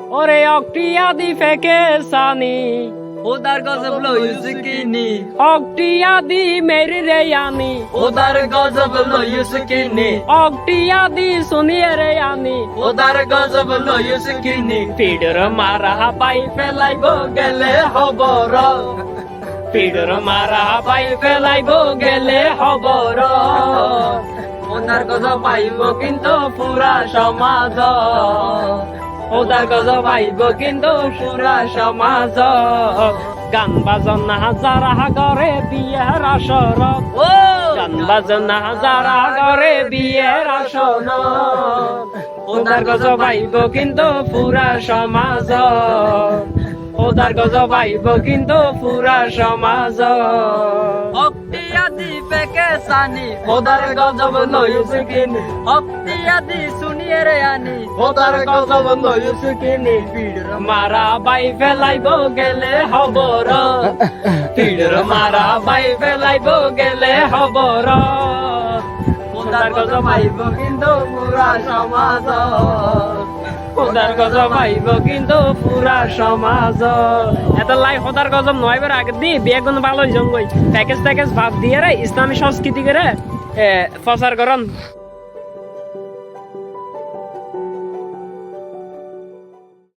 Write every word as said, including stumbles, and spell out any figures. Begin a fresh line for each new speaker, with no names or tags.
ওরে অক্টিয়া দি ফেকে সানি
ওদার গজব লইস কিনি
অক্টিয়া দি মেরি রে আনি
ওদার গজব লইস কিনি
অক্টিয়া দি শুনিয়ে রে আনি
ওদার গজব লইস কিনি
পিডর মারা পাই
ফেলাইব গেলে হবর
পিডর মারা পাই ফেলাইব গেলে হবর
ওদার গজব পাইব কিন্তু পুরা সমাজ
ওদার গজ পাইব কিন্তু পুরা সমাজ গান বাজনা যারা করে বিয়ের আসর
ও
গান বাজনা যারা করে বিয়ের আসর ওদার গজ পাইব কিন্তু পুরা সমাজ ওদার গজ পাইব কিন্তু পুরা সমাজ
অক্তিয়াদি পেকে সানি ওদার গজব লইস কিনি অক্তিয়াদি শুনিয়ে রে আনি ওদার গজব লইস কিনি পিড়র
মারা বাই ফেলাইব গেলে হবর পিড়র মারা বাই ফেলাইব গেলে হবর
ওদার গজব পাইব কিন্তু পুরা সমাজ
খোদার গজব আইব কিন্তু পুরা সমাজ এত লাই খোদার গজব নয় বার আগে দি বিয়ে কোনো ভালো জঙ্গই প্যাকেজ প্যাকেজ ভাব দিয়ে রে ইসলামী সংস্কৃতি করে প্রচার করন।